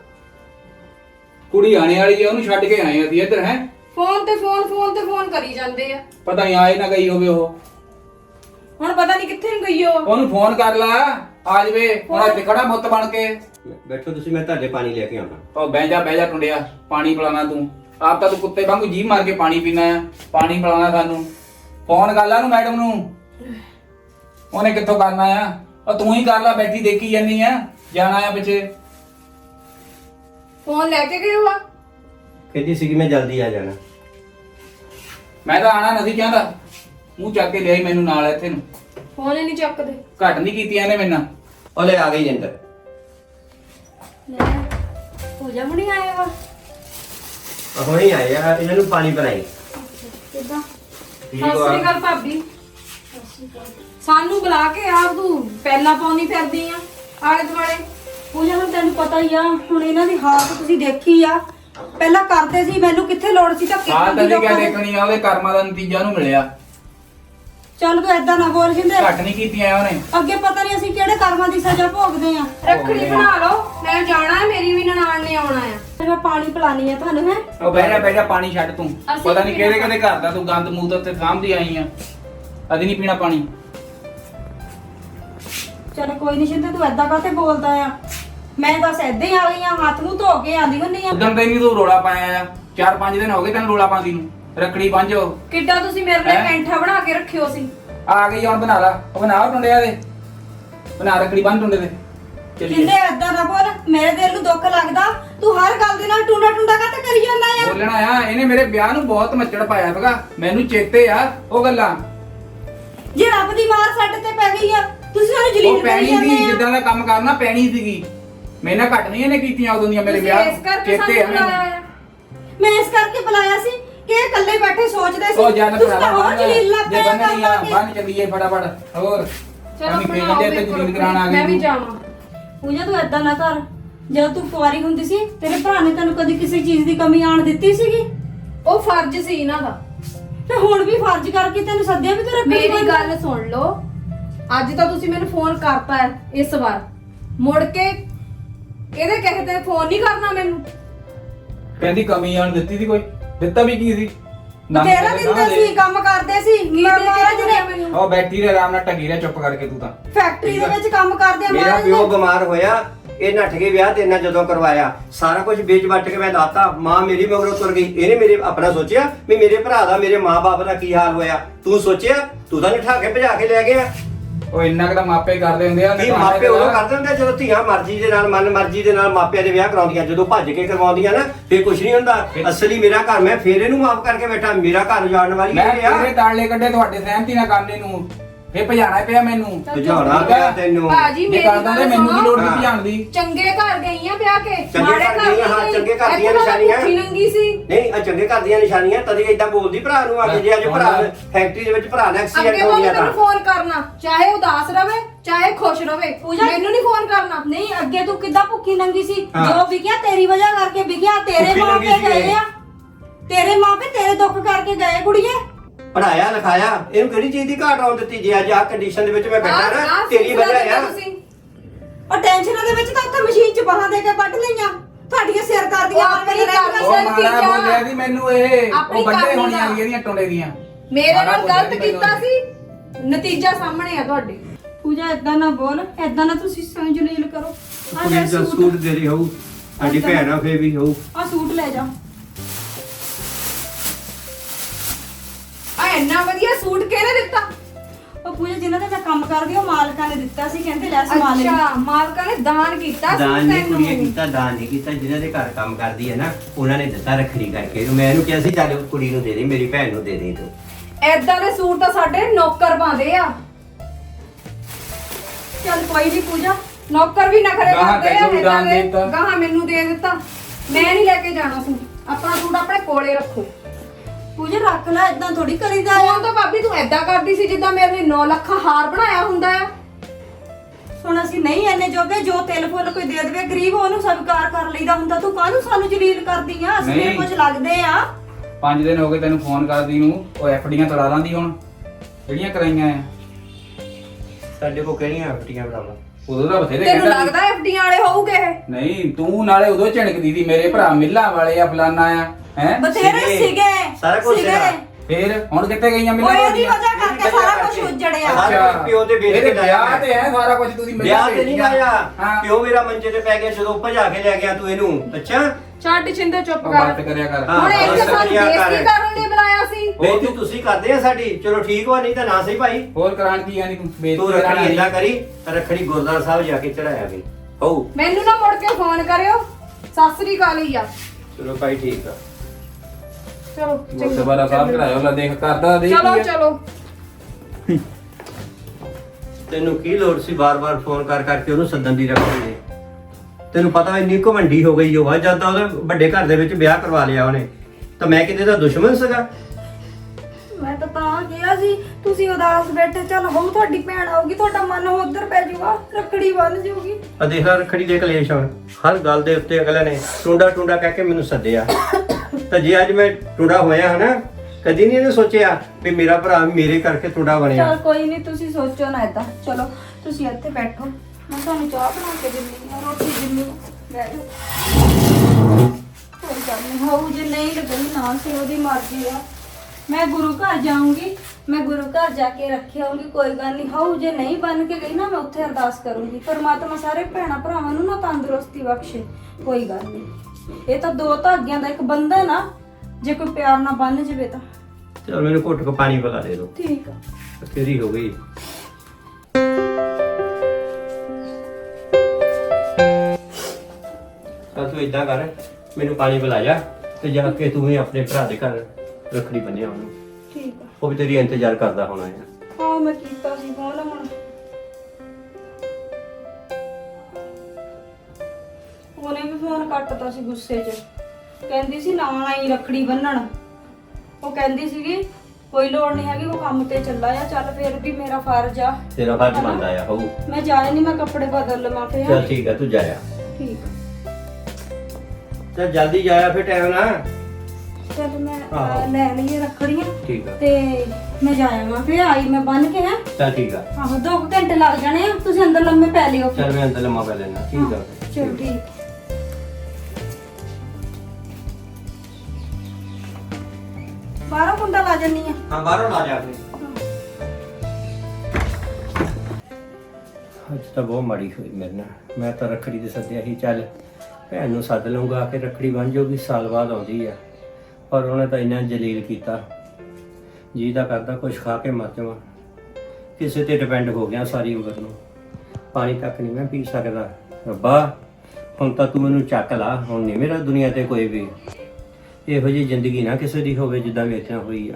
[SPEAKER 1] ਕੁੜੀ ਆਣੇ ਵਾਲੀ ਆ, ਉਹਨੂੰ ਛੱਡ ਕੇ ਆਏ ਅਸੀਂ ਇੱਧਰ। ਹੈ
[SPEAKER 3] ਫੋਨ ਤੇ ਫੋਨ ਕਰੀ ਜਾਂਦੇ ਆ।
[SPEAKER 1] ਪਤਾ ਨਹੀਂ ਆਏ ਨਾ ਗਈ ਹੋਵੇ ਉਹ।
[SPEAKER 3] ਹੁਣ ਪਤਾ ਨਹੀਂ ਕਿੱਥੇ ਨੂੰ ਗਈ ਉਹ।
[SPEAKER 1] ਉਹਨੂੰ ਫੋਨ ਕਰ ਲਾ, ਆ ਜਵੇ। ਹੁਣ ਇੱਥੇ ਖੜਾ ਮੁੱਤ ਬਣ ਕੇ।
[SPEAKER 4] ਬੈਠੋ ਤੁਸੀਂ, ਮੈਂ ਤੁਹਾਡੇ ਪਾਣੀ ਲੈ ਕੇ ਆਉਣਾ।
[SPEAKER 1] ਉਹ ਬਹਿ ਜਾ ਟੁੰਡਿਆ, ਪਾਣੀ ਪਿਲਾਣਾ ਤੂੰ। ਆਪ ਤਾਂ ਤੂੰ ਕੁੱਤੇ ਵਾਂਗੂ ਜੀਭ ਮਾਰ ਕੇ ਪਾਣੀ ਪੀਣਾ ਆ, ਪਾਣੀ ਪਿਲਾਣਾ ਸਾਨੂੰ। ਫੋਨ ਕਰ ਲਾ ਨੂੰ ਮੈਡਮ ਨੂੰ, ਉਹਨੇ ਕਿੱਥੋਂ ਕਰਨਾ ਆ? ਉਹ ਤੂੰ ਹੀ ਕਰ ਲਾ, ਬੈਠੀ ਦੇਖੀ ਜਾਨੀ ਆ। ਜਾਣਾ ਆ ਪਿੱਛੇ।
[SPEAKER 3] ਫੋਨ ਲੈ ਕੇ ਗਏ ਹੋ ਆ?
[SPEAKER 4] ਕਹਿੰਦੀ ਸੀਗੀ ਮੈਂ ਜਲਦੀ ਆ ਜਾਣਾ।
[SPEAKER 1] ਮੈਂ ਤਾਂ ਆਣਾ ਨਹੀਂ ਚਾਹੁੰਦਾ, ਮੂੰਹ ਚੱਕ ਕੇ ਲਿਆਈ ਮੈਨੂੰ ਨਾਲ ਇੱਥੇ ਨੂੰ।
[SPEAKER 3] ਫੋਨ ਹੀ ਨਹੀਂ ਚੱਕਦੇ।
[SPEAKER 1] ਘੱਟ ਨਹੀਂ ਕੀਤੀਆਂ ਨੇ ਮੈਨਾਂ।
[SPEAKER 4] ਉਹ ਲੈ ਆ ਗਈ ਜਿੰਦਰ।
[SPEAKER 3] ਪੂਜਾ ਹੁਣੀ ਆਇਆ ਵਾ?
[SPEAKER 4] ਹੁਣੇ ਆਏ ਆ, ਇਹਨਾਂ ਨੂੰ ਪਾਣੀ ਪਿਲਾਈ।
[SPEAKER 3] ਕਿੱਦਾਂ?
[SPEAKER 4] ਠੀਕ
[SPEAKER 3] ਸਤਿ ਸ਼੍ਰੀ ਅਕਾਲ ਭਾਬੀ। ਸਾਨੂੰ ਬੁਲਾ ਕੇ ਆਪ ਤੂੰ ਪਹਿਲਾਂ ਪਾਉਣੀ ਫਿਰਦੀ ਆ ਆਲੇ ਦੁਆਲੇ। ਪੂਜਾ ਹੁਣ ਤੈਨੂੰ ਪਤਾ ਹੀ ਆ, ਹੁਣ ਇਹਨਾਂ ਦੀ ਹਾਲਤ ਤੁਸੀਂ ਦੇਖੀ ਆ। ਪਹਿਲਾਂ ਕਰਦੇ ਸੀ, ਮੈਨੂੰ ਕਿੱਥੇ ਲੋੜ ਸੀ ਧੱਕੇ
[SPEAKER 1] ਆਹ
[SPEAKER 3] ਖਾਣ
[SPEAKER 1] ਤਾਂ
[SPEAKER 3] ਦੀ
[SPEAKER 1] ਨਹੀਂ ਕਿਆ
[SPEAKER 3] ਲੋਕਾਂ ਦੇ।
[SPEAKER 1] ਦੇਖਣੀ ਆ, ਉਹਦੇ ਕਰਮਾਂ ਦਾ ਨਤੀਜਾ ਨੂੰ ਮਿਲਿਆ।
[SPEAKER 3] ਚੱਲ ਤੂੰ ਏਦਾਂ ਨਾ ਬੋਲ ਜਿੰਦੇ,
[SPEAKER 1] ਘੱਟ ਨਹੀਂ ਕੀਤੀਆਂ ਉਹਨੇ।
[SPEAKER 3] ਅੱਗੇ ਪਤਾ ਨਹੀਂ ਅਸੀਂ ਕਿਹੜੇ ਕਰਮਾਂ ਦੀ ਸਜ਼ਾ ਭੋਗਦੇ ਆ। ਰੱਖੜੀ ਬਣਾ ਲਓ, ਮੈਂ ਜਾਣਾ ਹੈ, ਮੇਰੀ ਵੀ ਨਨਾਣ ਨੇ ਮੈਂ ਪਾਣੀ ਪਿਲਾਨੀ ਆ ਤੁਹਾਨੂੰ ਹੈ।
[SPEAKER 1] ਉਹ ਬਹਿ ਜਾ ਪਾਣੀ ਛੱਡ ਤੂੰ।
[SPEAKER 3] ਅਸੀਂ
[SPEAKER 1] ਪਤਾ ਨਹੀਂ
[SPEAKER 3] ਪੀਣਾ
[SPEAKER 1] ਕਿਹਦੇ ਘਰ ਦਾ ਤੂੰ ਗੰਦ ਮੂਤ ਉੱਤੇ ਸਾਂਭਦੀ ਆਈ ਆ। ਅਦੀ ਨਹੀਂ ਪੀਣਾ ਪਾਣੀ।
[SPEAKER 3] ਚਲ ਕੋਈ ਨਹੀਂ ਸ਼ਿੰਦੇ, ਤੂੰ ਏਦਾਂ ਕਾਤੇ ਬੋਲਦਾ ਆ? ਮੈਂ ਦੱਸ ਏਦਾਂ ਹੀ ਆ ਗਈ ਆ, ਹੱਥ ਮੂੰਹ ਧੋ ਕੇ ਆਂਦੀ ਹੁੰਨੀ ਆ।
[SPEAKER 1] ਉਦੋਂ ਤੈਨੂੰ ਤੂੰ ਰੋਲਾ ਪਾਇਆ ਆ। 4-5 ਦਿਨ ਹੋ ਗਏ ਤੈਨੂੰ ਰੋਲਾ ਪਾਉਂਦੀ ਨੂੰ। ਰੱਖੜੀ ਬੰਨ੍ਹੋ।
[SPEAKER 3] ਕਿੱਡਾ ਤੁਸੀਂ ਮੇਰੇ ਲਈ
[SPEAKER 1] ਹੈਂ?
[SPEAKER 3] ਕੈਂਠਾ ਬਣਾ ਕੇ ਰੱਖਿਓ ਸੀ।
[SPEAKER 1] ਆ ਗਈ ਹੁਣ ਬਣਾ ਲਾ। ਉਹ ਬਣਾ ਟੁੰਡਿਆ ਦੇ। ਬਣਾ ਰੱਖੜੀ ਬੰਨ ਟੁੰਡੇ ਦੇ। ਚੱਲੀਏ।
[SPEAKER 3] ਜਿੰਦੇ ਏਦਾਂ ਨਾ ਬੋਲ, ਮੇਰੇ ਦਿਲ ਨੂੰ ਦੁੱਖ ਲੱਗਦਾ। ਤੂੰ ਹਰ ਗੱਲ ਦੇ ਨਾਲ ਟੁੰਡਾ ਟੁੰਡਾ ਕਾਤੇ ਕਰੀ ਜਾਂਦਾ ਆ?
[SPEAKER 1] ਬੋਲਣਾ ਆ, ਇਹਨੇ ਮੇਰੇ ਵਿਆਹ ਨੂੰ ਬਹੁਤ ਮੱਚੜ ਪਾਇਆ ਸੀਗਾ। ਮੈਨੂੰ ਚੇਤੇ ਆ ਉਹ ਗੱਲਾਂ।
[SPEAKER 3] ਜੇ ਰੱਬ ਦੀ ਮਾਰ ਸਾਡੇ ਤੇ ਪੈ ਗਈ ਆ, ਤੁਸੀਂ ਸਾਨੂੰ
[SPEAKER 1] ਉਹ
[SPEAKER 3] ਜਲੀਲ ਕਰੀ
[SPEAKER 1] ਪੈਣੀ
[SPEAKER 3] ਜਾਂਦੇ
[SPEAKER 1] ਸੀ
[SPEAKER 3] ਆ।
[SPEAKER 1] ਜਿੱਦਾਂ ਦਾ ਕੰਮ ਕਰਨਾ ਪੈਣੀ ਸੀਗੀ। ਮੇਰੇ ਨਾਲ ਘੱਟ ਨਹੀਂ ਇਹਨੇ ਕੀਤੀਆਂ ਉਦੋਂ ਦੀਆਂ ਮੇਰੇ
[SPEAKER 3] ਤੁਸੀਂ
[SPEAKER 1] ਵਿਆਹ।
[SPEAKER 3] ਇਸ ਕਰਕੇ
[SPEAKER 1] ਚੇਤੇ ਆ
[SPEAKER 3] ਸਾਨੂੰ ਬੁਲਾਇਆ
[SPEAKER 1] ਮੈਨੂੰ।
[SPEAKER 3] ਆ। ਮੈਂ ਇਸ ਕਰਕੇ ਬੁਲਾਇਆ ਸੀ ਕਿ ਇਹ ਇਕੱਲੇ ਬੈਠੇ ਸੋਚਦੇ ਸੀ।
[SPEAKER 1] ਉਹ ਜਨ
[SPEAKER 3] ਤੁਸੀਂ ਤਾਂ
[SPEAKER 1] ਭਰਾਵਾ
[SPEAKER 3] ਹੋਰ ਜਲੀਲ ਲੱਗ
[SPEAKER 1] ਜੇ
[SPEAKER 3] ਪਿਆ
[SPEAKER 1] ਬੰਨਣੀ ਆ
[SPEAKER 3] ਕਰਦੇ।
[SPEAKER 1] ਬੰਨ ਚੱਲੀਏ ਫਟਾਫਟ। ਹੋਰ
[SPEAKER 3] ਚਲੋ
[SPEAKER 1] ਅਸੀਂ
[SPEAKER 3] ਬਣਾਓ
[SPEAKER 1] ਖੇਡਦੇ ਤੇ ਜਲੀਲ ਕਰਾਉਣ ਆ ਗਏ
[SPEAKER 3] ਮੈਂ ਵੀ
[SPEAKER 1] ਤੂੰ।
[SPEAKER 3] ਜਾਵਾਂ। ਪੂਜਾ ਤੂੰ ਏਦਾਂ ਨਾ ਕਰ। ਜਦੋਂ ਤੂੰ ਕੁਆਰੀ ਹੁੰਦੀ ਸੀ ਤੇਰੇ ਭਰਾ ਨੇ ਤੈਨੂੰ ਕਦੀ ਕਿਸੇ ਚੀਜ਼ ਦੀ ਕਮੀ ਆਣ ਦਿੱਤੀ ਸੀਗੀ?
[SPEAKER 2] ਉਹ ਫਰਜ਼ ਸੀ ਇਹਨਾਂ ਦਾ।
[SPEAKER 3] ਤੇ ਹੁਣ ਵੀ ਫਰਜ਼ ਕਰਕੇ ਤੈਨੂੰ ਸੱਦਿਆ ਵੀ ਤੇਰਾ
[SPEAKER 2] ਮੇਰੀ ਗੱਲ ਸੁਣ ਲਓ, ਅੱਜ ਤਾਂ ਤੁਸੀਂ ਮੈਨੂੰ ਫੋਨ ਕਰਤਾ ਹੈ ਇਸ ਵਾਰ, ਮੁੜ ਕੇ ਇਹਦੇ ਕਹੇ ਤੇ ਫੋਨ ਨਹੀਂ ਕਰਨਾ ਮੈਨੂੰ।
[SPEAKER 1] ਕਹਿੰਦੀ ਕਮੀ ਆਣ ਦਿੱਤੀ ਸੀ ਕੋਈ? ਦਿੱਤਾ ਵੀ ਕੀ ਸੀ? ਨੰਗ
[SPEAKER 3] ਤੇਰਾ
[SPEAKER 1] ਤੇਰੇ
[SPEAKER 3] ਦਿੰਦੇ
[SPEAKER 1] ਗਾਂਹ
[SPEAKER 3] ਸੀ, ਕੰਮ ਕਰਦੇ ਸੀ। ਮਹਾਰਾਜ ਨੇ
[SPEAKER 2] ਮੈਨੂੰ
[SPEAKER 1] ਉਹ ਬੈਠੀ ਰਹੇ ਆਰਾਮ ਨਾਲ ਟੰਗੀ ਰਹਿ ਚੁੱਪ ਕਰਕੇ ਤੂੰ ਤਾਂ।
[SPEAKER 3] ਫੈਕਟਰੀ ਦੇ ਵਿੱਚ ਕੰਮ ਕਰਦੇ ਆ
[SPEAKER 4] ਮੇਰਾ
[SPEAKER 3] ਮਹਾਰਾਜ
[SPEAKER 4] ਪਿਓ
[SPEAKER 3] ਨੇ।
[SPEAKER 4] ਬਿਮਾਰ ਹੋਇਆ, ਇਹ ਨੱਠ ਕੇ ਵਿਆਹ ਤੇ ਇਹਨਾਂ ਜਦੋਂ ਕਰਵਾਇਆ ਸਾਰਾ ਕੁਝ ਵੇਚ ਵੱਟ ਕੇ ਮੈਂ ਦਾਤਾ। ਮਾਂ ਮੇਰੀ ਮਗਰੋਂ ਤੁਰ ਗਈ। ਇਹਨੇ ਮੇਰੇ ਆਪਣਾ ਸੋਚਿਆ ਵੀ ਮੇਰੇ ਭਰਾ ਦਾ ਮੇਰੇ ਮਾਂ-ਬਾਪ ਦਾ ਕੀ ਹਾਲ ਹੋਇਆ? ਤੂੰ ਸੋਚਿਆ? ਤੂੰ ਤਾਂ ਨਿਠਾ ਕੇ ਭਜਾ ਕੇ ਲੈ ਗਿਆ।
[SPEAKER 1] ਉਹ ਇੰਨਾ ਕੁ ਤਾਂ ਮਾਪੇ ਕਰਦੇ ਹੁੰਦੇ ਆ।
[SPEAKER 4] ਕੀ ਮਾਪੇ ਉਦੋਂ ਕਰਦੇ ਹੁੰਦੇ ਆ ਜਦੋਂ ਧੀਆਂ ਮਰਜ਼ੀ ਦੇ ਨਾਲ ਮਨ ਮਰਜ਼ੀ ਦੇ ਨਾਲ ਮਾਪਿਆਂ ਦੇ ਵਿਆਹ ਕਰਾਉਂਦੀਆਂ। ਜਦੋਂ ਭੱਜ ਕੇ ਕਰਵਾਉਂਦੀਆਂ ਨਾ ਫੇਰ ਕੁਝ ਨਹੀਂ ਹੁੰਦਾ। ਅਸਲੀ ਮੇਰਾ ਘਰ, ਮੈਂ ਫੇਰ ਇਹਨੂੰ ਮਾਫ ਕਰਕੇ ਬੈਠਾ। ਮੇਰਾ ਘਰ ਉਜਾੜਨ ਵਾਲੀ
[SPEAKER 1] ਮੈਂ
[SPEAKER 4] ਇਹ ਆ।
[SPEAKER 1] ਤੇਰੇ ਤਾਲੇ ਕੱਢੇ ਤੁਹਾਡੇ ਸਹਿਮਤੀ ਨਾਲ ਕਰਨੇ ਨੂੰ। ਇਹ ਭਜਾਣਾ ਪਿਆ ਮੈਨੂੰ।
[SPEAKER 4] ਭਜਾਉਣਾ ਪਿਆ ਤੈਨੂੰ।
[SPEAKER 2] ਭਾਜੀ
[SPEAKER 1] ਜੇ
[SPEAKER 2] ਮੇਰੀ
[SPEAKER 1] ਕਰਦਾ ਤੇ
[SPEAKER 2] ਗੱਲ
[SPEAKER 1] ਮੈਨੂੰ ਕੀ
[SPEAKER 2] ਸੁਣੋ,
[SPEAKER 1] ਲੋੜ
[SPEAKER 4] ਹਾਂ।
[SPEAKER 1] ਨਹੀਂ ਭਜਾਣ ਦੀ।
[SPEAKER 2] ਚੰਗੇ ਘਰ ਗਈ ਆ ਵਿਆਹ ਕੇ,
[SPEAKER 4] ਚੰਗੇ
[SPEAKER 2] ਮਾੜੇ
[SPEAKER 4] ਘਰ ਗਈ ਆ, ਹਾਂ,
[SPEAKER 2] ਨਹੀਂ।
[SPEAKER 4] ਚੰਗੇ ਘਰ ਦੀਆਂ
[SPEAKER 2] ਇੱਥੇ ਤਾਂ
[SPEAKER 4] ਨਿਸ਼ਾਨੀਆਂ।
[SPEAKER 2] ਭੁੱਖੀ ਨੰਗੀ ਸੀ।
[SPEAKER 4] ਨਹੀਂ ਆ ਚੰਗੇ ਘਰ ਦੀਆਂ ਨਿਸ਼ਾਨੀਆਂ ਤਦੇ ਏਦਾਂ ਬੋਲਦੀ ਭਰਾ ਨੂੰ ਆ ਕੇ। ਜੇ ਅੱਜ ਭਰਾ ਫੈਕਟਰੀ ਦੇ ਵਿੱਚ ਭਰਾ ਦਾ ਐਕਸੀਡੈਂਟ
[SPEAKER 2] ਅੱਗੇ
[SPEAKER 4] ਹੋ
[SPEAKER 2] ਤੋਂ
[SPEAKER 4] ਗਿਆ
[SPEAKER 2] ਮੈਨੂੰ
[SPEAKER 4] ਤਾਂ
[SPEAKER 2] ਫੋਨ ਕਰਨਾ, ਚਾਹੇ ਉਦਾਸ ਰਵੇ ਚਾਹੇ ਖੁਸ਼ ਰਵੇ, ਮੈਨੂੰ ਨਹੀਂ ਫੋਨ ਕਰਨਾ।
[SPEAKER 3] ਨਹੀਂ ਅੱਗੇ ਤੂੰ ਕਿੱਦਾਂ ਭੁੱਖੀ ਨੰਗੀ ਸੀ?
[SPEAKER 4] ਹਾਂ।
[SPEAKER 3] ਜੋ ਵਿਕਿਆ ਤੇਰੀ ਵਜ੍ਹਾ ਕਰਕੇ ਵਿਕਿਆ। ਤੇਰੇ
[SPEAKER 4] ਭੁੱਖੀ
[SPEAKER 3] ਮਾਂ
[SPEAKER 4] ਨੰਗੀ
[SPEAKER 3] ਪਿਓ
[SPEAKER 4] ਸੀ
[SPEAKER 3] ਗਏ
[SPEAKER 4] ਇਹ।
[SPEAKER 3] ਆ, ਤੇਰੇ ਮਾਂ ਪਿਓ ਤੇਰੇ ਦੁੱਖ ਕਰਕੇ ਗਏ ਕੁੜੀਏ।
[SPEAKER 4] ਪੜਾਇਆ ਲਿਖਾਇਆ, ਇਹਨੂੰ ਕਿਹੜੀ ਚੀਜ਼ ਦੀ ਘਾਟ ਆਉਣ ਦਿੱਤੀ? ਜੇ ਅੱਜ ਆ ਕੰਡੀਸ਼ਨ ਦੇ ਵਿੱਚ ਮੈਂ ਬੈਠਾ ਨਾ
[SPEAKER 2] ਆਹ
[SPEAKER 4] ਤੇਰੀ ਵਜ੍ਹਾ ਆ।
[SPEAKER 2] ਤੁਸੀਂ
[SPEAKER 3] ਉਹ ਟੈਨਸ਼ਨਾਂ ਦੇ ਵਿੱਚ ਤਾਂ ਉੱਥੇ ਮਸ਼ੀਨ 'ਚ ਬਾਹਾਂ ਦੇ ਕੇ ਵੱਢ ਲਈਆਂ। ਤੁਹਾਡੀਆਂ ਸਿਰ ਕਰਦੀਆਂ
[SPEAKER 2] ਉਹ ਆਪਣੀ ਕਰ
[SPEAKER 1] ਉਹ ਮਾਰਾ
[SPEAKER 2] ਚੀਜ਼ਾਂ।
[SPEAKER 1] ਬੋਲਿਆ ਸੀ ਮੈਨੂੰ ਇਹ।
[SPEAKER 2] ਆਪਣੀ
[SPEAKER 1] ਉਹ ਵੱਡੇ
[SPEAKER 2] ਕਰਨੀ
[SPEAKER 1] ਹੋਣੀਆਂ
[SPEAKER 2] ਦਾ।
[SPEAKER 1] ਇਹਦੀਆਂ ਟੁੰਡੇ ਦੀਆਂ।
[SPEAKER 2] ਮੇਰੇ
[SPEAKER 1] ਮਾੜਾ
[SPEAKER 2] ਨਾਲ
[SPEAKER 1] ਬੋਲਿਆ
[SPEAKER 2] ਗਲਤ
[SPEAKER 1] ਸੀ ਮੈਨੂੰ।
[SPEAKER 2] ਕੀਤਾ ਸੀ, ਨਤੀਜਾ ਸਾਹਮਣੇ ਆ ਤੁਹਾਡੇ।
[SPEAKER 3] ਪੂਜਾ ਏਦਾਂ ਨਾ ਬੋਲ, ਏਦਾਂ ਨਾ ਤੁਸੀਂ ਸਾਨੂੰ ਜਲੀਲ ਕਰੋ। ਆਹ
[SPEAKER 4] ਕੁੜੀ
[SPEAKER 3] ਲੈ
[SPEAKER 4] ਦਾ ਸੂਟ ਦੇ ਰਹੀ ਹੋਊ, ਸਾਡੀ ਭੈਣ ਆ ਫੇ ਵੀ ਹੋਊ।
[SPEAKER 3] ਆਹ ਸੂਟ ਲੈ ਜਾ।
[SPEAKER 2] ਆ ਇੰਨਾ ਵਧੀਆ ਸੂਟ ਕਿਹਨੇ ਦਿੱਤਾ?
[SPEAKER 3] ਉਹ ਪੂਜਾ ਜਿਨ੍ਹਾਂ ਦਾ ਮੈਂ ਕੰਮ ਕਰਦੀ ਉਹ ਮਾਲਕਾਂ ਨੇ ਦਿੱਤਾ ਸੀ, ਕਹਿੰਦੇ ਲੈ ਸਮਾਨ ਲੈ।
[SPEAKER 2] ਅੱਛਾ, ਮਾਲਕਾਂ ਨੇ ਦਾਨ ਕੀਤਾ ਸੀ
[SPEAKER 4] ਦਾਨ ਨਹੀਂ ਕੁੜੀਏ
[SPEAKER 2] ਤੈਨੂੰ।
[SPEAKER 4] ਕੀਤਾ, ਦਾਨ ਨਹੀਂ ਕੀਤਾ। ਜਿਨ੍ਹਾਂ ਦੇ ਘਰ ਕੰਮ ਕਰਦੀ ਹੈ ਨਾ ਉਹਨਾਂ ਨੇ ਦਿੱਤਾ ਰੱਖੜੀ ਕਰਕੇ। ਮੈਂ ਇਹਨੂੰ ਕਿਹਾ ਸੀ ਚੱਲ ਕੁੜੀ ਨੂੰ ਦੇ ਦੇ, ਮੇਰੀ ਭੈਣ ਨੂੰ ਦੇ ਦੇ ਤੂੰ।
[SPEAKER 2] ਐਦਾਂ ਦੇ ਸੂਟ ਤਾਂ ਸਾਡੇ ਨੌਕਰ ਪਾਉਂਦੇ ਆ।
[SPEAKER 3] ਚੱਲ ਕੋਈ ਨਹੀਂ ਪੂਜਾ,
[SPEAKER 2] ਨੌਕਰ ਵੀ ਨਖਰੇ
[SPEAKER 1] ਗਾਹਾਂ
[SPEAKER 2] ਕਰਦੇ ਆ।
[SPEAKER 1] ਤੈਨੂੰ ਵੀ ਦਾਨ
[SPEAKER 2] ਏਦਾਂ ਦੇ।
[SPEAKER 1] ਦੇ ਦਿੱਤਾ।
[SPEAKER 2] ਗਾਹਾਂ ਮੈਨੂੰ ਦੇ ਦਿੱਤਾ। ਮੈਂ ਨਹੀਂ ਲੈ ਕੇ ਜਾਣਾ ਸੂਟ। ਆਪਣਾ ਸੂਟ ਆਪਣੇ ਕੋਲੇ ਰੱਖੋ।
[SPEAKER 3] ਪੂਜਾ ਰੱਖ ਲੈ, ਏਦਾਂ ਥੋੜੀ ਕਰੀਦਾ ਆ।
[SPEAKER 2] ਫੋਨ ਤਾਂ ਭਾਬੀ ਤੂੰ ਐਦਾਂ ਕਰਦੀ ਸੀ ਜਿੱਦਾਂ ਮੇਰੇ ਲਈ 9 ਲੱਖ ਹਾਰ ਬਣਾਇਆ ਹੁੰਦਾ ਆ।
[SPEAKER 3] ਹੁਣ ਅਸੀਂ ਨਹੀਂ ਐਨੇ ਜੋਗੇ, ਜੋ ਤਿਲ ਫੁੱਲ ਕੋਈ ਦੇ ਦੇਵੇ ਗਰੀਬ ਉਹਨੂੰ ਸਵੀਕਾਰ ਕਰ ਲਈਦਾ ਹੁੰਦਾ। ਤੂੰ ਕਾਹਨੂੰ ਸਾਨੂੰ ਜਲੀਲ ਕਰਦੀ ਆ? ਅਸੀਂ
[SPEAKER 1] ਨਹੀਂ।
[SPEAKER 3] ਕੁਝ ਲੱਗਦੇ ਆ।
[SPEAKER 1] 5 ਦਿਨ ਹੋ ਗਏ ਤੈਨੂੰ ਫੋਨ ਕਰਦੀ ਨੂੰ। ਉਹ ਐਫਡੀਆਂ ਤੜਾ ਲਾਂਦੀ ਹੁਣ ਜਿਹੜੀਆਂ ਕਰਾਈਆਂ ਆ।
[SPEAKER 4] ਸਾਡੇ ਕੋਲ ਕਿਹੜੀਆਂ ਹੱਟੀਆਂ ਬਣਾਵਾ?
[SPEAKER 1] ਉਦੋਂ ਦਾ ਬਥੇਰੇ
[SPEAKER 2] ਤੈਨੂੰ
[SPEAKER 1] ਕਹਿੰਦਾ ਸੀ।
[SPEAKER 2] ਲੱਗਦਾ ਐਫਡੀਆਂ ਵਾਲੇ ਹੋਊਗੇ ਇਹ?
[SPEAKER 1] ਨਹੀਂ ਤੂੰ ਨਾਲੇ ਉਦੋਂ ਝਿਣਕਦੀ ਸੀ ਮੇਰੇ ਭਰਾ ਮਿੱਲਾਂ ਵਾਲੇ ਆ ਫਲਾਨਾ ਆ ਹੈ।
[SPEAKER 3] ਬਥੇਰੇ
[SPEAKER 4] ਸੀਗੇ।
[SPEAKER 3] ਸੀਗੇ,
[SPEAKER 4] ਸਾਰਾ ਕੁਛ
[SPEAKER 3] ਸੀਗੇ।
[SPEAKER 4] ਸੀਗਾ।
[SPEAKER 1] ਫੇਰ ਹੁਣ ਕਿੱਥੇ ਗਈਆਂ
[SPEAKER 3] ਉਹ
[SPEAKER 1] ਮਿੱਲਾਂ
[SPEAKER 3] ਇਹਦੀ
[SPEAKER 1] ਵਾਲੀਆਂ?
[SPEAKER 3] ਵਜ੍ਹਾ ਕਰਕੇ ਸਾਰਾ ਕੁਝ ਉੱਜੜਿਆ।
[SPEAKER 4] ਸਾਰਾ ਕੁਛ ਪਿਓ ਤੇ ਵੇਚ ਕੇ
[SPEAKER 1] ਇਹਦੇ
[SPEAKER 4] ਲਾਇਆ
[SPEAKER 1] ਵਿਆਹ
[SPEAKER 4] ਮੈਂ।
[SPEAKER 1] ਤੇ ਹੈ ਸਾਰਾ ਕੁਝ ਤੁਸੀਂ ਮਿੱਲਾਂ
[SPEAKER 4] ਵਿਆਹ ਤੇ ਨਹੀਂ
[SPEAKER 1] ਵੇਚੀਆਂ।
[SPEAKER 4] ਲਾਇਆ,
[SPEAKER 1] ਹਾਂ।
[SPEAKER 4] ਪਿਓ ਮੇਰਾ ਮੰਜੇ ਤੇ ਪੈ ਗਿਆ ਜਦੋਂ ਭਜਾ ਕੇ ਲੈ ਗਿਆ ਤੂੰ ਇਹਨੂੰ। ਅੱਛਾ
[SPEAKER 2] ਛੱਡ ਛਿੰਦੇ ਚੁੱਪ
[SPEAKER 1] ਉਹ
[SPEAKER 2] ਕਰ।
[SPEAKER 1] ਬਾਤ ਕਰਿਆ ਕਰ।
[SPEAKER 4] ਹਾਂ।
[SPEAKER 2] ਹੁਣ ਇੱਥੇ ਸਾਨੂੰ
[SPEAKER 4] ਸਤਿ ਸ਼੍ਰੀ ਅਕਾਲ।
[SPEAKER 2] ਬੇਇੱਜ਼ਤੀ ਕਰਨ ਲਈ ਬੁਲਾਇਆ ਸੀ।
[SPEAKER 4] ਬੇਇੱਜ਼ਤੀ ਤੁਸੀਂ ਕਰਦੇ ਆ ਸਾਡੀ। ਚਲੋ ਠੀਕ ਵਾ, ਨਹੀਂ ਤਾਂ ਨਾ ਸਹੀ ਭਾਈ।
[SPEAKER 1] ਹੋਰ ਕਰਾਣ ਕੀ ਆਣੀ ਤੂੰ
[SPEAKER 4] ਤੂੰ
[SPEAKER 1] ਬੇਇੱਜ਼ਤੀ
[SPEAKER 4] ਰੱਖੜੀ
[SPEAKER 1] ਕਰਾਉਣੀ।
[SPEAKER 4] ਏਦਾਂ ਕਰੀ, ਰੱਖੜੀ ਗੁਰਦੁਆਰਾ ਸਾਹਿਬ ਜਾ ਕੇ ਚੜਾਇਆ ਵੀ ਹੋਊ।
[SPEAKER 2] ਮੈਨੂੰ ਨਾ ਮੁੜ ਕੇ ਫੋਨ ਕਰਿਓ। ਸਤਿ ਸ੍ਰੀ ਅਕਾਲ ਹੀ ਆ।
[SPEAKER 4] ਚਲੋ ਭਾਈ ਠੀਕ ਆ।
[SPEAKER 2] ਚਲੋ
[SPEAKER 1] ਗੁਰਦੁਆਰਾ ਸਾਹਿਬ ਚੜਾਇਓ ਲੈ ਦੇਖ ਕਰਦਾ ਦੇਖ
[SPEAKER 2] ਚਲੋ
[SPEAKER 1] ਕੀ ਆ।
[SPEAKER 2] ਚਲੋ।
[SPEAKER 4] ਤੈਨੂੰ ਕੀ ਲੋੜ ਸੀ ਬਾਰ-ਬਾਰ ਫੋਨ ਕਰ ਕਰਕੇ ਉਹਨੂੰ ਸੱਦਣ ਦੀ ਰੱਖੜੀ ਦੇ? ਤੈਨੂੰ ਪਤਾ ਇੰਨੀ ਘਮੰਡੀ ਹੋ ਗਈ ਉਹ ਜਦ ਤਾਂ ਉਹਦੇ ਵੱਡੇ ਘਰ ਦੇ ਵਿੱਚ ਵਿਆਹ ਕਰਵਾ ਲਿਆ ਉਹਨੇ। ਤਾਂ ਮੈਂ ਕਿਤੇ ਦਾ ਦੁਸ਼ਮਣ ਸੀਗਾ?
[SPEAKER 3] ਮੈਂ ਤਾਂ ਕਿਹਾ ਸੀ ਤੁਸੀਂ ਉਦਾਸ ਬੈਠੇ, ਚੱਲ ਹੁਣ ਤੁਹਾਡੀ ਭੈਣ ਆਊਗੀ, ਤੁਹਾਡਾ ਮਨ ਉਧਰ ਪੈ ਜਾਊਗਾ, ਰੱਖੜੀ ਬੰਨ ਜਾਊਗੀ।
[SPEAKER 4] ਆ ਦੇਖ ਲੈ ਰੱਖੜੀ ਦੇ ਕਲੇਸ਼ ਹੁਣ। ਹਰ ਗੱਲ ਦੇ ਉੱਤੇ ਅਗਲੇ ਨੇ ਟੁੰਡਾ ਕਹਿ ਕੇ ਮੈਨੂੰ ਸੱਦਿਆ। ਤਾਂ ਜੇ ਅੱਜ ਮੈਂ ਟੁੰਡਾ ਹੋਇਆ ਹਨਾ, ਕਦੀ ਨਹੀਂ ਇਹਨੇ ਸੋਚਿਆ ਵੀ ਮੇਰਾ ਭਰਾ ਮੇਰੇ ਕਰਕੇ ਟੁੰਡਾ ਬਣਿਆ।
[SPEAKER 3] ਚੱਲ ਕੋਈ ਨਹੀਂ, ਤੁਸੀਂ ਸੋਚੋ ਨਾ ਏਦਾਂ। ਚਲੋ ਤੁਸੀਂ ਇੱਥੇ ਬੈਠੋ, ਮੈਂ ਤੁਹਾਨੂੰ ਚਾਹ ਬਣਾ ਕੇ ਦਿੰਦੀ ਹਾਂ, ਰੋਟੀ ਦਿੰਦੀ ਹਾਂ, ਬਹਿ ਜਾਓ। ਨਾ ਸੀ, ਉਹਦੀ ਮਰਜ਼ੀ ਆ। ਮੈਂ ਗੁਰੂ ਘਰ ਜਾਊਂਗੀ, ਮੈਂ ਗੁਰੂ ਘਰ ਜਾ ਕੇ ਰੱਖਿਆਉਂਗੀ, ਕੋਈ ਗੱਲ ਨਹੀਂ। ਹਾਉ ਜੇ ਨਹੀਂ ਬਣ ਕੇ ਗਈ ਨਾ, ਮੈਂ ਉੱਥੇ ਅਰਦਾਸ ਕਰੂੰਗੀ ਪਰਮਾਤਮਾ ਸਾਰੇ ਭੈਣਾਂ ਭਰਾਵਾਂ ਨੂੰ ਨਾ ਤੰਦਰੁਸਤੀ ਬਖਸ਼ੇ। ਕੋਈ ਗੱਲ ਨਹੀਂ, ਇਹ ਤਾਂ ਦੋ ਧਾਗਿਆਂ ਦਾ ਇੱਕ ਬੰਧਨ ਆ, ਜੇ ਕੋਈ ਪਿਆਰ ਨਾਲ ਬੰਨ ਜਾਵੇ ਤਾਂ।
[SPEAKER 4] ਚਲ ਮੈਨੂੰ ਘੁੱਟ ਕੇ ਪਾਣੀ ਪਿਲਾ ਦੇ ਦੋ।
[SPEAKER 3] ਠੀਕ ਆ।
[SPEAKER 4] ਤੇਰੀ ਹੋ ਗਈ। ਚੱਲ ਤੂੰ ਇਦਾਂ ਕਰ, ਮੈਨੂੰ ਪਾਣੀ ਪਿਲਾ ਜਾ ਤੇ ਜਾ ਕੇ ਤੂੰ ਵੀ ਆਪਣੇ ਭਰਾ ਦੇ ਘਰ ਰੱਖੜੀ ਬੰਨਿਆ ਉਹਨੂੰ।
[SPEAKER 3] ਠੀਕ ਆ।
[SPEAKER 4] ਉਹ ਵੀ ਤੇਰੀ ਇੰਤਜ਼ਾਰ ਕਰਦਾ ਹੋਣਾ ਹੈ।
[SPEAKER 3] ਹਾਂ ਮੈਂ ਕੀਤਾ ਸੀ ਫੋਨ, ਹੁਣ ਉਹਨੇ ਵੀ ਫੋਨ ਕੱਟਤਾ ਸੀ ਗੁੱਸੇ 'ਚ। ਕਹਿੰਦੀ ਸੀ ਨਾ ਆਈ ਰੱਖੜੀ ਬੰਨਣ। ਉਹ ਕਹਿੰਦੀ ਸੀਗੀ ਕੋਈ ਲੋੜ ਨਹੀਂ ਹੈਗੀ, ਉਹ ਕੰਮ ਤੇ ਚੱਲਾ ਆ। ਚੱਲ ਫਿਰ ਵੀ ਮੇਰਾ ਫਰਜ਼ ਆ।
[SPEAKER 4] ਤੇਰਾ ਫਰਜ਼ ਬਣਦਾ ਆ ਹੋਊ।
[SPEAKER 3] ਮੈਂ ਜਾਏ ਨਹੀਂ, ਮੈਂ ਕੱਪੜੇ ਬਦਲ ਲਵਾਂ ਫਿਰ।
[SPEAKER 4] ਚਲ ਠੀਕ ਆ, ਤੂੰ ਜਾਇਆ।
[SPEAKER 3] ਠੀਕ ਆ।
[SPEAKER 4] ਚਲ ਜਲਦੀ ਜਾਇਆ ਫਿਰ, ਟਾਈਮ ਨਾ।
[SPEAKER 3] ਚਲ ਮੈਂ
[SPEAKER 4] ਆਹੋ।
[SPEAKER 3] ਲੈ ਲਈਏ ਰੱਖੜੀਆਂ
[SPEAKER 4] ਠੀਕ ਆ।
[SPEAKER 3] ਤੇ ਮੈਂ ਜਾਇਆ ਫਿਰ ਆਈ ਮੈਂ ਬੰਨ ਕੇ। ਹੈ
[SPEAKER 4] ਚਲ ਠੀਕ ਆ।
[SPEAKER 3] ਆਹੋ 2 ਘੰਟੇ ਲੱਗ ਜਾਣੇ ਆ, ਤੁਸੀਂ ਅੰਦਰ ਲੰਮੇ ਪੈ ਲਿਓ।
[SPEAKER 4] ਚਲ ਮੈਂ ਅੰਦਰ ਲੰਮਾ ਪੈ ਲੈਣਾ। ਠੀਕ ਆ।
[SPEAKER 3] ਚਲ ਠੀਕ। ਬਾਹਰੋਂ ਕੁੰਡਾ ਲਾ ਜੰਨੀ ਆ।
[SPEAKER 4] ਹਾਂ ਬਾਹਰੋਂ ਲਾ ਜਾ ਕੇ। ਅੱਜ ਤਾਂ ਬਹੁਤ ਮਾੜੀ ਹੋਈ ਮੇਰੇ ਨਾਲ। ਮੈਂ ਤਾਂ ਰੱਖੜੀ ਤੇ ਸੱਦਿਆ ਸੀ, ਚੱਲ ਭੈਣ ਨੂੰ ਸੱਦ ਲਊਂਗਾ, ਆ ਕੇ ਰੱਖੜੀ ਬੰਨ ਜਾਊਗੀ, ਸਾਲ ਬਾਅਦ ਆਉਂਦੀ ਆ। ਪਰ ਉਹਨੇ ਤਾਂ ਇੰਨਾ ਜਲੀਲ ਕੀਤਾ, ਜੀ ਦਾ ਕਰਦਾ ਕੁਛ ਖਾ ਕੇ ਮਰ ਜਾਵਾਂ। ਕਿਸੇ ਤੇ ਡਿਪੈਂਡ ਹੋ ਗਿਆ ਸਾਰੀ ਉਮਰ ਨੂੰ। ਪਾਣੀ ਤੱਕ ਨਹੀਂ ਮੈਂ ਪੀ ਸਕਦਾ। ਰੱਬਾ ਹੁਣ ਤਾਂ ਤੂੰ ਮੈਨੂੰ ਚੱਕ ਲਾ, ਹੁਣ ਨਹੀਂ ਮੇਰਾ ਦੁਨੀਆ ਤੇ ਕੋਈ ਵੀ। ਇਹੋ ਜਿਹੀ ਜ਼ਿੰਦਗੀ ਨਾ ਕਿਸੇ ਦੀ ਹੋਵੇ ਜਿੱਦਾਂ ਮੇਰੇ ਨਾਲ ਹੋਈ ਆ।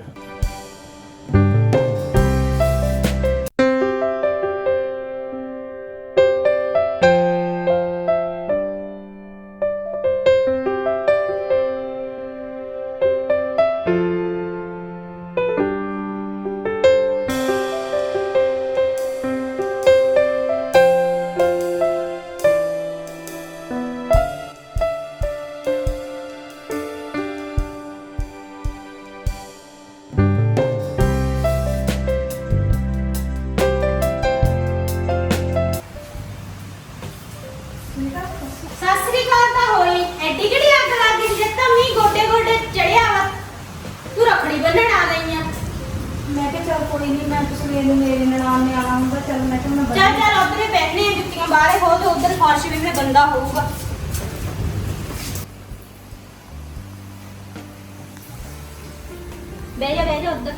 [SPEAKER 5] ਸਾਸਰੀ ਕਾਲ ਤਾਂ ਹੋਈ ਐਡੀ ਕਿਹੜੀ ਅੱਗ ਲੱਗ ਗਈ ਜਦ ਤਾਂ ਮੀਂਹ ਗੋਡੇ ਗੋਡੇ ਚੜਿਆ ਵਾ। ਤੂੰ ਰੱਖੜੀ ਬੰਨਣ ਆ ਗਈ ਆ।
[SPEAKER 3] ਮੈਂ ਕਿਹਾ ਚੱਲ ਕੋਈ ਨਹੀਂ, ਮੈਂ ਤਾਂ ਸਵੇਰ ਨੂੰ ਮੇਰੇ ਨਨਾਣ ਨੇ ਆਣਾ ਹੁੰਦਾ। ਚੱਲ ਮੈਂ ਕਿਹਾ ਮੈਂ
[SPEAKER 5] ਚੱਲ ਚੱਲ ਉਧਰੇ ਬੈਠਨੇ ਆ, ਜੁੱਤੀਆਂ ਬਾਹਰੇ ਹੋ ਤੇ ਉਧਰ ਫਰਸ਼ ਵੀ ਫਿਰ ਗੰਦਾ ਹੋਊਗਾ। ਬਹਿ ਜਾ ਉਧਰ।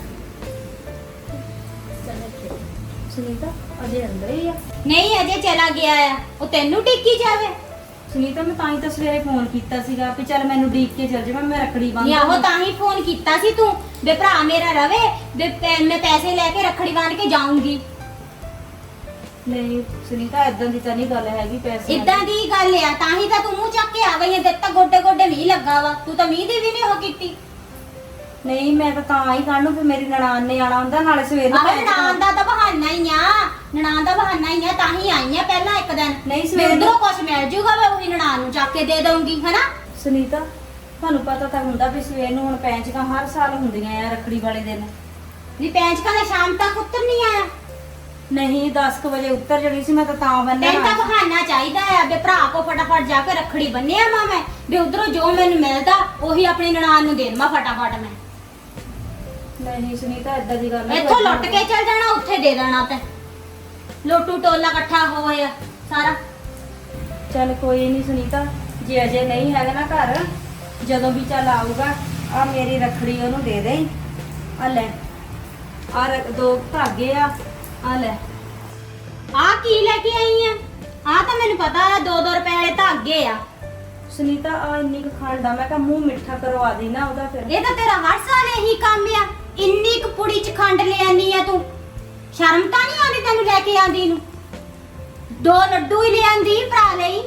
[SPEAKER 3] ਸੁਨੀਤਾ ਅਜੇ ਅੰਦਰ ਹੀ ਆ।
[SPEAKER 5] ਨਹੀਂ ਅਜੇ ਚਲਾ ਗਿਆ ਆ, ਉਹ ਤੈਨੂੰ ਟਿੱਕੀ ਜਾਵੇ।
[SPEAKER 3] ਸੁਨੀਤਾ ਮੈਂ ਤਾਂ ਹੀ ਤਾਂ ਸਵੇਰੇ ਫੋਨ ਕੀਤਾ ਸੀਗਾ ਕਿ ਚੱਲ ਮੈਨੂੰ ਡੀਕ ਕੇ ਚੱਲ ਜਾਵਾਂ, ਮੈਂ ਰੱਖੜੀ ਬੰਨ
[SPEAKER 5] ਨਹੀਂ ਆਹੋ ਤਾਂ ਹੀ ਫੋਨ ਕੀਤਾ ਸੀ ਤੂੰ ਵੇ ਭਰਾ ਮੇਰਾ ਰਵੇ ਵੇ ਮੈਂ ਪੈਸੇ ਲੈ ਕੇ ਰੱਖੜੀ ਬੰਨ ਕੇ ਜਾਊਂਗੀ।
[SPEAKER 3] ਨਹੀਂ ਸੁਨੀਤਾ ਇਦਾਂ ਦੀ ਤਾਂ ਨਹੀਂ ਗੱਲ ਹੈਗੀ, ਪੈਸੇ
[SPEAKER 5] ਇਦਾਂ ਦੀ ਗੱਲ ਆ, ਤਾਂ ਹੀ ਤਾਂ ਤੂੰ ਮੂੰਹ ਚੱਕ ਕੇ ਆ ਗਈ ਹੈ। ਜਦ ਤੱਕ ਗੋਡੇ ਗੋਡੇ ਮੀਂਹ ਲੱਗਾ ਵਾ, ਤੂੰ ਤਾਂ ਮੀਂਹ ਦੀ ਵੀ ਨਹੀਂ ਉਹ ਕੀਤੀ।
[SPEAKER 3] ਨਹੀਂ ਮੈਂ ਤਾਂ ਹੀ ਕੱਢ ਨੂੰ ਫਿਰ ਮੇਰੀ ਨਨਾਣ ਨੇ ਆਣਾ ਹੁੰਦਾ, ਨਾਲੇ ਸਵੇਰ ਨੂੰ
[SPEAKER 5] ਆਹ ਨਨਾਣ ਦਾ ਤਾਂ ਬਹਾਨਾ ਹੀ ਆ, ਨਨਾਣ ਦਾ ਬਹਾਨਾ ਹੀ ਆ, ਤਾਂ ਹੀ ਆਈ ਆ ਪਹਿਲਾਂ ਇੱਕ ਦਿਨ।
[SPEAKER 3] ਨਹੀਂ ਸਵੇਰ
[SPEAKER 5] ਉਧਰੋਂ ਕੁਛ ਮਿਲ ਜੂਗਾ, ਮੈਂ ਉਹੀ ਨਨਾਣ ਨੂੰ ਚੱਕ ਕੇ ਦੇ ਦਊਂਗੀ ਹਨਾ।
[SPEAKER 3] ਸੁਨੀਤਾ ਤੁਹਾਨੂੰ ਪਤਾ ਤਾਂ ਹੁੰਦਾ ਵੀ ਸਵੇਰ ਨੂੰ ਹੁਣ ਪੈਂਚਕਾਂ ਹਰ ਸਾਲ ਹੁੰਦੀਆਂ ਆ ਰੱਖੜੀ ਵਾਲੇ ਦਿਨ।
[SPEAKER 5] ਵੀ ਪੈਂਚਕਾਂ ਦਾ ਸ਼ਾਮ ਤੱਕ ਉੱਤਰ ਨਹੀਂ ਆਇਆ।
[SPEAKER 3] ਨਹੀਂ 10 ਵਜੇ ਉੱਤਰ ਜਣੀ ਸੀ, ਮੈਂ ਤਾਂ ਬੰਨਿਆ
[SPEAKER 5] ਤੈਨੂੰ ਤਾਂ ਬਹਾਨਾ ਚਾਹੀਦਾ ਆ ਵੀ ਭਰਾ ਕੋ ਫਟਾਫਟ ਜਾ ਕੇ ਰੱਖੜੀ ਬੰਨਿਆ ਮਾਂ ਮੈਂ, ਵੀ ਉਧਰੋਂ ਜੋ ਮੈਨੂੰ ਮਿਲਦਾ ਉਹੀ ਆਪਣੀ ਨਨਾਣ ਨੂੰ ਦੇ ਦੇਵਾਂ ਫਟਾਫਟ ਮੈਂ।
[SPEAKER 3] ਨਹੀਂ ਸੁਨੀਤਾ ਇਦਾਂ ਦੀ ਗੱਲ ਨਹੀਂ।
[SPEAKER 5] ਇੱਥੋਂ ਲੁੱਟ ਕੇ ਚੱਲ ਜਾਣਾ, ਉੱਥੇ ਦੇ ਦੇਣਾ ਤੇ ਲੋਟੂ ਟੋਲਾ ਇਕੱਠਾ ਹੋਇਆ ਸਾਰਾ।
[SPEAKER 3] ਚੱਲ ਕੋਈ ਨਹੀਂ ਸੁਨੀਤਾ, ਜੇ ਅਜੇ ਨਹੀਂ ਹੈਗਾ ਨਾ ਘਰ, ਜਦੋਂ ਵੀ ਚੱਲ ਆਊਗਾ ਆ ਮੇਰੀ ਰੱਖੜੀ ਉਹਨੂੰ ਦੇ ਦੇ। ਆ ਲੈ ਆ 2 ਧਾਗੇ ਆ ਲੈ।
[SPEAKER 5] ਆ ਕੀ ਲੈ ਕੇ ਆਈ ਆ? ਆ ਤਾਂ ਮੈਨੂੰ ਪਤਾ ਆ 2-2 ਰੁਪਏ ਵਾਲੇ ਧਾਗੇ ਆ।
[SPEAKER 3] ਸੁਨੀਤਾ ਆ ਇੰਨੀ ਕੁ ਖੰਡ ਆ, ਮੈਂ ਕਿਹਾ ਮੂੰਹ ਮਿੱਠਾ ਕਰਵਾ ਦੇ ਨਾ ਉਹਦਾ ਫਿਰ।
[SPEAKER 5] ਇਹ ਤਾਂ ਤੇਰਾ ਹਰ ਸਾਲ ਇਹੀ ਕੰਮ ਆ, ਇੰਨੀ ਕੁ ਪੁੜੀ ਚ ਖੰਡ ਲੈ ਆਨੀ ਆ ਤੂੰ। ਸ਼ਰਮ ਤਾਂ ਨਹੀਂ ਆਉਂਦੀ ਤੈਨੂੰ ਲੈ ਕੇ ਆਂਦੀ ਨੂੰ? 2 ਲੱਡੂ ਹੀ ਲੈ ਆਂਦੀ ਭਰਾ ਲਈ।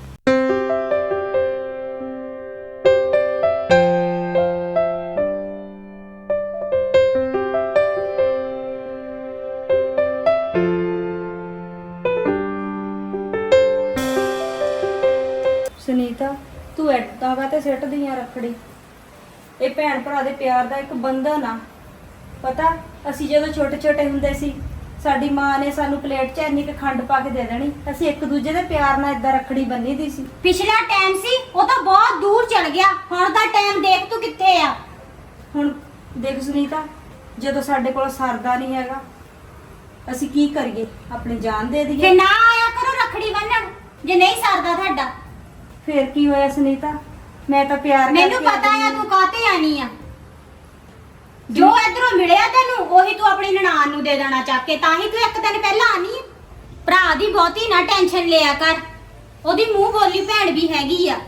[SPEAKER 3] ਸੁਨੀਤਾ ਤੂੰ ਏਦਾਂ ਕਾਤੇ ਸਿੱਟਦੀ ਆ ਰੱਖੜੀ? ਇਹ ਭੈਣ ਭਰਾ ਦੇ ਪਿਆਰ ਦਾ ਇੱਕ ਬੰਧਨ ਆ। ਪਤਾ ਅਸੀਂ ਜਦੋਂ ਛੋਟੇ ਛੋਟੇ ਹੁੰਦੇ ਸੀ, ਸਾਡੀ ਮਾਂ ਨੇ ਸਾਨੂੰ ਪਲੇਟ 'ਚ ਇੰਨੀ ਕੁ ਖੰਡ ਪਾ ਕੇ ਦੇ ਦੇਣੀ, ਅਸੀਂ ਇੱਕ ਦੂਜੇ ਦੇ ਪਿਆਰ ਨਾਲ ਏਦਾਂ ਰੱਖੜੀ ਬੰਨੀ ਦੀ ਸੀ।
[SPEAKER 5] ਪਿਛਲਾ ਟਾਈਮ ਸੀ, ਉਹ ਤਾਂ ਬਹੁਤ ਦੂਰ ਚਲ ਗਿਆ। ਹੁਣ ਦਾ ਟਾਈਮ ਦੇਖ ਤੂੰ ਕਿੱਥੇ ਆ।
[SPEAKER 3] ਹੁਣ ਦੇਖ ਸੁਨੀਤਾ, ਜਦੋਂ ਸਾਡੇ ਕੋਲ ਸਰਦਾ ਨਹੀਂ ਹੈਗਾ ਅਸੀਂ ਕੀ ਕਰੀਏ? ਆਪਣੀ ਜਾਨ ਦੇ
[SPEAKER 5] ਤੇ
[SPEAKER 3] ਦਈਏ?
[SPEAKER 5] ਨਾ ਆਇਆ ਕਰੋ ਰੱਖੜੀ ਬੰਨਣ ਜੇ ਨਹੀਂ ਸਰਦਾ ਤੁਹਾਡਾ।
[SPEAKER 3] ਫੇਰ ਕੀ ਹੋਇਆ ਸੁਨੀਤਾ? ਮੈਂ ਤਾਂ ਪਿਆਰ
[SPEAKER 5] ਮੈਨੂੰ
[SPEAKER 3] ਕਰਕੇ
[SPEAKER 5] ਪਤਾ
[SPEAKER 3] ਆਈ
[SPEAKER 5] ਆ ਤੂੰ ਕਾਤੇ ਆਣੀ ਆ। ਜੋ ਇਧਰੋਂ ਮਿਲਿਆ ਤੈਨੂੰ ਉਹੀ ਤੂੰ ਆਪਣੀ ਨਨਾਣ ਨੂੰ ਦੇ ਦੇਣਾ ਚੱਕ ਕੇ, ਤਾਂ ਹੀ ਤੂੰ ਇੱਕ ਦਿਨ ਪਹਿਲਾਂ ਆਣੀ ਆ। ਭਰਾ ਦੀ ਬਹੁਤੀ ਨਾ ਟੈਨਸ਼ਨ ਲਿਆ ਕਰ, ਉਹਦੀ ਮੂੰਹ ਬੋਲੀ ਭੈਣ ਵੀ ਹੈਗੀ ਆ।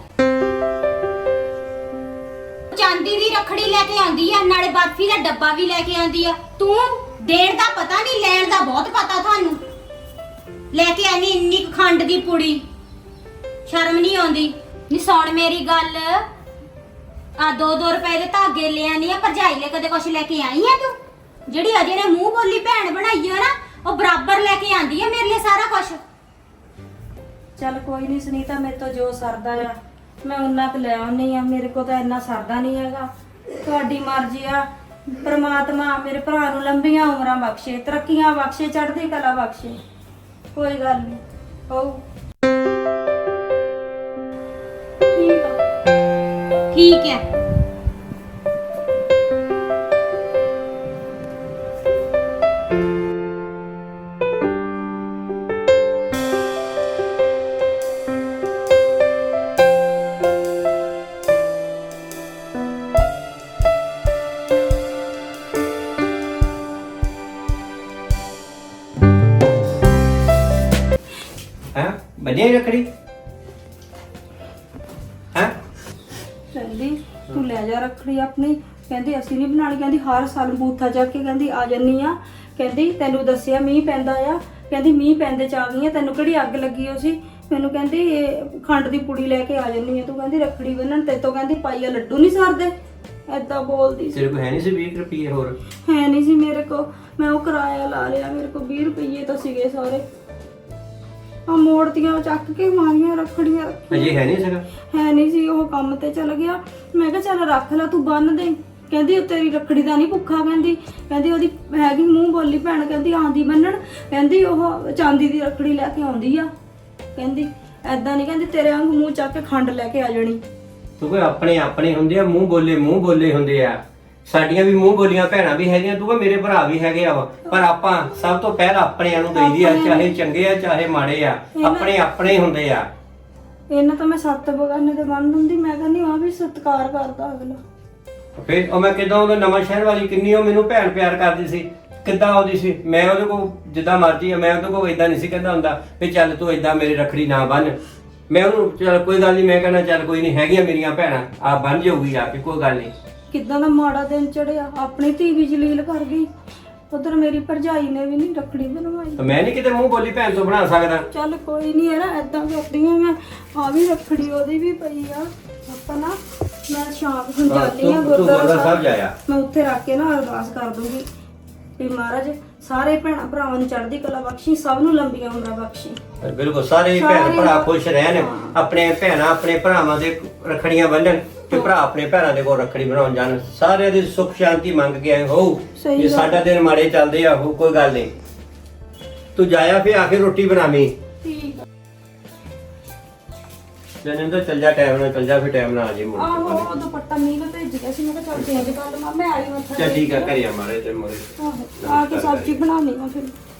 [SPEAKER 5] ਚਾਂਦੀ ਦੀ ਰੱਖੜੀ ਲੈ ਕੇ ਆਂਦੀ ਆ, ਨਾਲੇ ਬਰਫੀ ਦਾ ਡੱਬਾ ਵੀ ਲੈ ਕੇ ਆਂਦੀ ਆ। ਤੂੰ ਦੇਣ ਦਾ ਪਤਾ ਨਹੀਂ, ਲੈਣ ਦਾ ਬਹੁਤ ਪਤਾ ਤੁਹਾਨੂੰ। ਲੈ ਕੇ ਆਨੀ ਇੰਨੀ ਕੁ ਖੰਡ ਦੀ ਪੁੜੀ, ਸ਼ਰਮ ਨਹੀਂ ਆਉਂਦੀ? ਨੀ ਸੁਣ ਮੇਰੀ ਗੱਲ, ਆ 2-2 ਰੁਪਏ ਦੇ ਧਾਗੇ ਲੈ ਆਨੀ ਆ। ਭਰਜਾਈ ਲੈ ਕਦੇ ਕੁਛ ਲੈ ਕੇ ਆਈ ਆ ਤੂੰ? ਜਿਹੜੀ ਅਜੇ ਨੇ ਮੂੰਹ ਬੋਲੀ ਭੈਣ ਬਣਾਈ ਆ ਨਾ, ਉਹ ਬਰਾਬਰ ਲੈ ਕੇ ਆਂਦੀ ਆ ਮੇਰੇ ਲਈ ਸਾਰਾ ਕੁਛ।
[SPEAKER 3] ਚੱਲ ਕੋਈ ਨਹੀਂ ਸੁਨੀਤਾ, ਮੇਰੇ ਤੋਂ ਜੋ ਸਰਦਾ ਆ ਮੈਂ ਉਹਨਾਂ ਕੁ ਲੈ ਆਉਣੀ ਆ। ਮੇਰੇ ਕੋਲ ਤਾਂ ਇੰਨਾ ਸਰਦਾ ਨਹੀਂ ਹੈਗਾ। ਤੁਹਾਡੀ ਮਰਜ਼ੀ ਆ। ਪ੍ਰਮਾਤਮਾ ਮੇਰੇ ਭਰਾ ਨੂੰ ਲੰਬੀਆਂ ਉਮਰਾਂ ਬਖਸ਼ੇ, ਤਰੱਕੀਆਂ ਬਖਸ਼ੇ, ਚੜ੍ਹਦੀ ਕਲਾ ਬਖਸ਼ੇ। ਕੋਈ ਗੱਲ ਨਹੀਂ ਹੋਊ। ਠੀਕ ਆ।
[SPEAKER 5] ਠੀਕ ਹੈ।
[SPEAKER 4] ਹੈ ਬੰਨਿਆ ਹੀ ਰੱਖੜੀ ਹੈ?
[SPEAKER 3] ਕਹਿੰਦੀ ਤੂੰ ਲੈ ਜਾ ਰੱਖੜੀ ਆਪਣੀ। ਕਹਿੰਦੀ ਅਸੀਂ ਨਹੀਂ ਬਣਾਣੀ। ਕਹਿੰਦੀ ਹਰ ਸਾਲ ਬੂਥਾ ਜਾ ਕੇ ਕਹਿੰਦੀ ਆ ਜੰਨੀ ਆ। ਕਹਿੰਦੀ ਤੈਨੂੰ ਦੱਸਿਆ ਮੀਂਹ ਪੈਂਦਾ ਆ। ਕਹਿੰਦੀ ਮੀਂਹ ਪੈਂਦੇ ਚ ਆ ਗਈ ਆ, ਤੈਨੂੰ ਕਿਹੜੀ ਅੱਗ ਲੱਗੀ ਹੋ ਸੀ? ਮੈਨੂੰ ਕਹਿੰਦੀ ਇਹ ਖੰਡ ਦੀ ਪੁੜੀ ਲੈ ਕੇ ਆ ਜੰਨੀ ਆ ਤੂੰ। ਕਹਿੰਦੀ ਰੱਖੜੀ ਬੰਨਣ ਤੇ ਤੋਂ ਕਹਿੰਦੀ ਪਾਈਆ ਲੱਡੂ ਨਹੀਂ ਸਰਦੇ। ਏਦਾਂ ਬੋਲਦੀ ਸੀ।
[SPEAKER 4] ਤੇਰੇ ਕੋਲ ਹੈ ਨਹੀਂ ਸੀ 20 ਰੁਪਏ ਹੋਰ?
[SPEAKER 3] ਹੈ ਨਹੀਂ ਸੀ ਮੇਰੇ ਕੋ। ਮੈਂ ਉਹ ਕਿਰਾਇਆ ਲਾ ਲਿਆ। ਮੇਰੇ ਕੋ 20 ਰੁਪਏ ਤਾਂ ਸੀਗੇ ਸਾਰੇ। ਆ ਮੋੜਤੀਆਂ ਚੱਕ ਕੇ ਮਾਰੀਆਂ ਰੱਖੜੀਆਂ।
[SPEAKER 4] ਅਜੇ ਹੈ ਨਹੀਂ ਸੀਗਾ?
[SPEAKER 3] ਹੈ ਨਹੀਂ ਸੀ, ਉਹ ਕੰਮ ਤੇ ਚਲ ਗਿਆ। ਮੈਂ ਕਿਹਾ ਚੱਲ ਰੱਖ ਲੈ ਤੂੰ ਬੰਨ ਦੇ। ਕਹਿੰਦੀ ਉਹ ਤੇਰੀ ਰੱਖੜੀ ਦਾ ਨਹੀਂ ਭੁੱਖਾ। ਕਹਿੰਦੀ ਉਹਦੀ ਹੈਗੀ ਮੂੰਹ ਬੋਲੀ ਭੈਣ। ਕਹਿੰਦੀ ਆਂਦੀ ਬੰਨਣ। ਕਹਿੰਦੀ ਉਹ ਚਾਂਦੀ ਦੀ ਰੱਖੜੀ ਲੈ ਕੇ ਆਉਂਦੀ ਆ। ਕਹਿੰਦੀ ਐਦਾਂ ਨਹੀਂ, ਕਹਿੰਦੀ ਤੇਰੇ ਵਾਂਗ ਮੂੰਹ ਚੱਕ ਕੇ ਖੰਡ ਲੈ ਕੇ ਆ ਜਾਣੀ।
[SPEAKER 4] ਤੂੰ ਕੋਈ ਆਪਣੇ ਹੁੰਦੇ ਆ, ਮੂੰਹ ਬੋਲੇ ਹੁੰਦੇ ਆ। ਸਾਡੀਆਂ ਵੀ ਮੂੰਹ ਬੋਲੀਆਂ ਭੈਣਾਂ ਵੀ ਹੈਗੀਆਂ, ਤੂੰ ਮੇਰੇ ਭਰਾ ਵੀ ਹੈਗੇ ਆ ਵਾ। ਪਰ ਆਪਾਂ ਸਭ ਤੋਂ ਪਹਿਲਾਂ ਆਪਣਿਆਂ ਨੂੰ ਦੇਈਦੀ ਆ, ਚਾਹੇ ਚੰਗੇ ਆ ਚਾਹੇ ਮਾੜੇ ਆ। ਆਪਣੇ ਹੁੰਦੇ ਆ।
[SPEAKER 3] ਇਹਨਾਂ ਤਾਂ ਮੈਂ 7 ਬਗਾਨੇ ਦੇ ਬੰਨ ਦਿੰਦੀ। ਮੈਂ ਕਹਿੰਦੀ ਆ ਵੀ ਸਤਿਕਾਰ ਕਰਦਾ ਅਗਲਾ।
[SPEAKER 4] ਫਿਰ ਉਹ ਮੈਂ ਕਿਦਾਂ ਉਹ ਨਵਾਂ ਸ਼ਹਿਰ ਵਾਲੀ ਕਿੰਨੀ ਉਹ ਮੈਨੂੰ ਭੈਣ ਪਿਆਰ ਕਰਦੀ ਸੀ, ਕਿੱਦਾਂ ਆਉਂਦੀ ਸੀ। ਮੈਂ ਉਹਦੇ ਕੋਲ ਜਿੱਦਾਂ ਮਰਜ਼ੀ ਆ, ਮੈਂ ਉਹਦੇ ਕੋਲ ਇਦਾਂ ਨਹੀਂ ਸੀ ਕਹਿੰਦਾ ਹੁੰਦਾ ਵੀ ਚੱਲ ਤੂੰ ਇਦਾਂ ਮੇਰੀ ਰੱਖੜੀ ਨਾ ਬੰਨ। ਮੈਂ ਉਹਨੂੰ ਚੱਲ ਕੋਈ ਗੱਲ ਨਹੀਂ, ਮੈਂ ਕਹਿੰਦਾ ਚੱਲ ਕੋਈ ਨਹੀਂ, ਹੈਗੀਆਂ ਮੇਰੀਆਂ ਭੈਣਾਂ, ਆ ਬੰਨ ਜਾਊਗੀ ਆ ਕੇ, ਕੋਈ ਗੱਲ ਨਹੀਂ।
[SPEAKER 3] ਕਿੱਦਾਂ ਦਾ ਮਾੜਾ ਦਿਨ ਚੜਿਆ। ਆਪਣੀ ਧੀ ਵੀ ਜਲੀਲ ਕਰ ਗਈ। ਉਧਰ ਮੇਰੀ ਭਰਜਾਈ ਨੇ ਵੀ ਨਹੀਂ ਰੱਖੜੀ ਬਣਵਾਈ।
[SPEAKER 4] ਮੈਂ ਨਹੀਂ ਕਿਤੇ ਮੂੰਹ ਬੋਲੀ ਭੈਣ ਤੋਂ ਬਣਾ ਸਕਦਾ।
[SPEAKER 3] ਚੱਲ ਕੋਈ ਨਹੀਂ ਹੈ ਨਾ, ਏਦਾਂ ਕਰਦੀ ਹਾਂ ਮੈਂ। ਆ ਵੀ ਰੱਖੜੀ ਉਹਦੀ ਵੀ ਪਈ ਆ। ਆਪਾਂ ਨਾ ਮੈਂ ਸ਼ਾਮ ਨੂੰ ਜਾਂਦੀ ਆ
[SPEAKER 4] ਤੂੰ
[SPEAKER 3] ਗੁਰਦੁਆਰਾ ਸਾਹਿਬ
[SPEAKER 4] ਜਾਇਆ।
[SPEAKER 3] ਮੈਂ ਉੱਥੇ ਰੱਖ ਕੇ ਨਾ ਅਰਦਾਸ ਕਰ ਦੂੰਗੀ ਵੀ ਮਹਾਰਾਜ ਸਾਰੇ ਭੈਣਾਂ ਭਰਾਵਾਂ ਨੂੰ ਚੜ੍ਹਦੀ ਕਲਾ ਬਖਸ਼ੀ, ਸਭ ਨੂੰ ਲੰਬੀਆਂ ਉਮਰਾਂ ਬਖਸ਼ੀ।
[SPEAKER 4] ਬਿਲਕੁਲ ਸਾਰੇ ਭੈਣ ਭਰਾ ਖੁਸ਼ ਰਹਿਣ, ਆਪਣੇ ਭੈਣਾਂ ਆਪਣੇ ਭਰਾਵਾਂ ਦੇ ਰੱਖੜੀਆਂ ਬੰਨਣ ਤੇ ਭਰਾ ਆਪਣੇ ਭੈਣਾਂ ਦੇ ਕੋਲ ਰੱਖੜੀ ਬਣਾਉਣ ਜਾਣ। ਸਾਰਿਆਂ ਦੀ ਸੁੱਖ ਸ਼ਾਂਤੀ ਮੰਗ ਕੇ ਆਏ ਹੋ। ਜੇ ਸਾਡਾ ਦਿਨ ਮਾੜੇ ਚੱਲਦੇ ਆ ਹੋ, ਕੋਈ ਗੱਲ ਨਹੀਂ, ਤੂੰ ਜਾਇਆ ਫਿਰ ਆ ਕੇ ਰੋਟੀ ਬਣਾਵੀਂ।
[SPEAKER 3] ਠੀਕ ਆ।
[SPEAKER 4] ਜਨਿੰਦਰ ਚੱਲ ਜਾ, ਟਾਈਮ ਨਾਲ ਚੱਲ ਜਾ, ਫਿਰ ਟਾਈਮ ਨਾਲ ਆ ਜੇ ਮੁੜ
[SPEAKER 3] ਆਹੋ ਉਹ ਦੁਪੱਟਾ ਮੀਂਹ ਨੂੰ ਭੇਜ ਗਿਆ ਸੀ। ਮੈਂ ਕਿਹਾ ਚੱਲ ਚੇਂਜ ਕਰ ਲਵਾਂ। ਮੈਂ ਆਈ ਮੱਥਾ
[SPEAKER 4] ਚੱਲ ਠੀਕ ਆ, ਘਰੇ ਆ ਮਾਰੇ ਤੇ ਮੋਰੇ।
[SPEAKER 3] ਆਹੋ ਆ ਕੇ ਸਬਜ਼ੀ ਬਣਾਉਣੀ ਆ ਫਿਰ।